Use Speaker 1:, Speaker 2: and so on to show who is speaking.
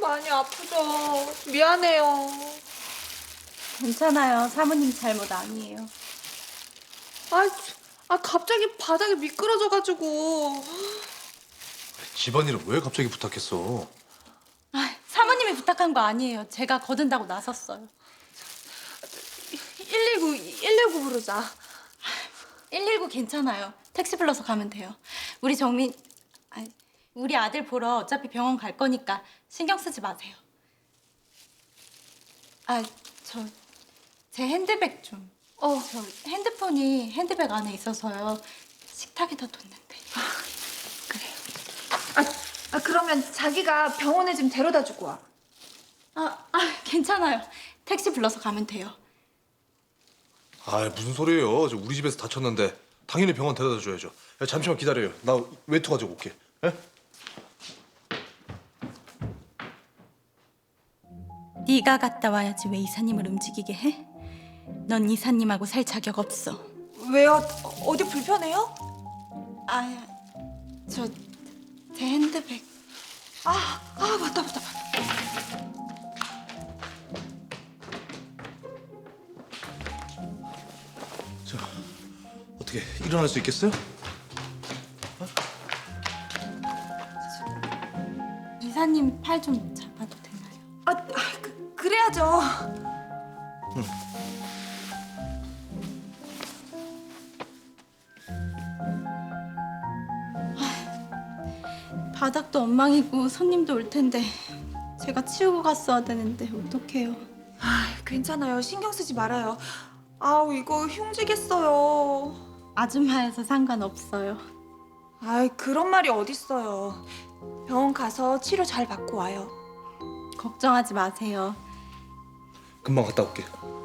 Speaker 1: 많이 아프죠. 미안해요.
Speaker 2: 괜찮아요. 사모님 잘못 아니에요.
Speaker 1: 갑자기 바닥이 미끄러져가지고.
Speaker 3: 집안일을 왜 갑자기 부탁했어?
Speaker 2: 사모님이 부탁한 거 아니에요. 제가 거둔다고 나섰어요.
Speaker 1: 119 부르자.
Speaker 2: 119 괜찮아요. 택시 불러서 가면 돼요. 우리 정민, 우리 아들 보러 어차피 병원 갈 거니까 신경 쓰지 마세요. 제 핸드백 좀. 저 핸드폰이 핸드백 안에 있어서요. 식탁에다 뒀는데.
Speaker 1: 그래. 그러면 자기가 병원에 좀 데려다 주고 와.
Speaker 2: 괜찮아요. 택시 불러서 가면 돼요.
Speaker 3: 무슨 소리예요? 저 우리 집에서 다쳤는데 당연히 병원 데려다 줘야죠. 야, 잠시만 기다려요. 나 외투 가지고 올게. 예?
Speaker 2: 네가 갔다 와야지 왜 이사님을 움직이게 해? 넌 이사님하고 살 자격 없어.
Speaker 1: 왜요? 어디 불편해요?
Speaker 2: 제 핸드백.
Speaker 1: 맞다.
Speaker 3: 자, 어떻게 일어날 수 있겠어요?
Speaker 2: 이사님 팔 좀 잡아도 되나요?
Speaker 1: 그래야죠.
Speaker 2: 바닥도 엉망이고 손님도 올 텐데 제가 치우고 갔어야 되는데 어떡해요?
Speaker 1: 괜찮아요. 신경 쓰지 말아요. 이거 흉지겠어요.
Speaker 2: 아줌마여서 상관없어요.
Speaker 1: 그런 말이 어딨어요. 병원 가서 치료 잘 받고 와요.
Speaker 2: 걱정하지 마세요.
Speaker 3: 금방 갔다 올게.